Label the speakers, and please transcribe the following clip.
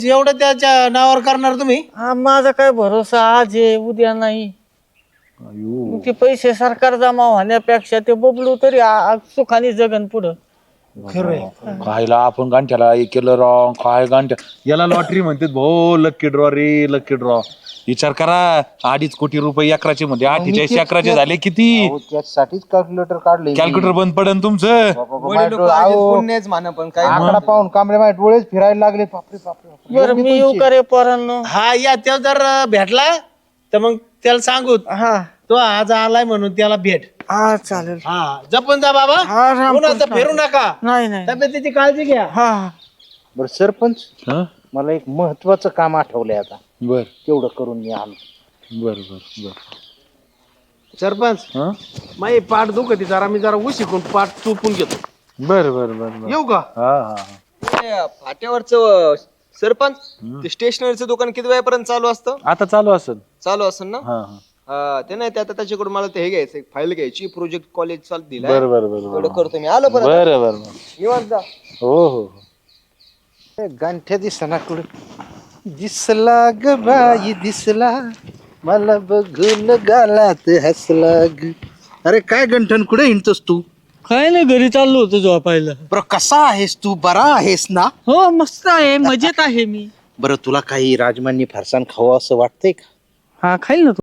Speaker 1: एवढं त्याच्या नावावर करणार तुम्ही?
Speaker 2: माझा काय भरोसा, आज आहे उद्या नाही. ते पैसे सरकार जमा होण्यापेक्षा ते बबलू तरी सुखाने जगन पुढं.
Speaker 1: खरंय.
Speaker 3: खायला आपण गांठ्याला हे केलं रॉंग, काय गांठ्या याला लॉटरी म्हणतात भाऊ. लक्की ड्रॉ रे, लक्की ड्रॉ. विचार करा, 2.5 कोटी रुपये अकराचे मध्ये 48 अकराचे झाले किती?
Speaker 4: त्यासाठीच कॅल्क्युलेटर काढले.
Speaker 3: कॅल्क्युलेटर बंद पडन तुमचं.
Speaker 4: पुण्याच म्हणा, पण काय आकडा पाहून कांबळे माझे डोळेच फिरायला लागले. बापरे बापरे.
Speaker 2: बरं मी येऊ का रे पोरांनो?
Speaker 1: हा या, त्या जर भेटला तर मग त्याला सांगू
Speaker 2: हा
Speaker 1: तो आज आलाय म्हणून त्याला भेट.
Speaker 2: हा चालेल.
Speaker 1: हा जपून जा बाबा,
Speaker 2: हा, राम
Speaker 1: पुन्हा
Speaker 2: कृष्ण.
Speaker 1: फिरू नका.
Speaker 2: नाही नाही.
Speaker 1: तब्येतीची काळजी घ्या.
Speaker 2: हा
Speaker 4: बरं सरपंच,
Speaker 3: हं?
Speaker 4: मला एक महत्वाचं काम आठवलंय आता.
Speaker 3: बर
Speaker 4: तेवढं करून मी आलो.
Speaker 3: बर बर बर.
Speaker 1: सरपंच,
Speaker 3: हं?
Speaker 1: माझी पाठ दुखती जरा, मी जरा उशिकून पाठ चुपून घेतो.
Speaker 3: बर बर बर बर.
Speaker 1: येऊ का?
Speaker 3: हा हा
Speaker 5: फाट्यावरचं सरपंच, ते स्टेशनरीचं दुकान किती वेळापर्यंत चालू असतं?
Speaker 3: आता चालू असेल.
Speaker 5: चालू असेल ना?
Speaker 3: हा हा.
Speaker 5: ते नाही, ते आता त्याच्याकडून मला ते हे घ्यायचं, फाईल घ्यायची, प्रोजेक्ट कॉलेज चालू दिलाय.
Speaker 3: बर बर बर
Speaker 5: तेवढं करतो मी. आलो परत.
Speaker 3: बर बर.
Speaker 5: निवांत जा.
Speaker 3: हो हो.
Speaker 4: गांठ्या दिसना कुठे. दिसला ग बाई दिसला, मला बघून गालात हसला ग. अरे काय गंठन, कुठे हिंडतोस तू?
Speaker 2: काय नाही, घरी चाललो होतो झोपायला.
Speaker 4: बरं कसा आहेस तू? बरा आहेस ना?
Speaker 2: हो मस्त आहे, मजेत आहे मी.
Speaker 4: बरं तुला काही राजमान्य फरसाण खावं असं वाटतंय का?
Speaker 2: हा खाईल ना तू.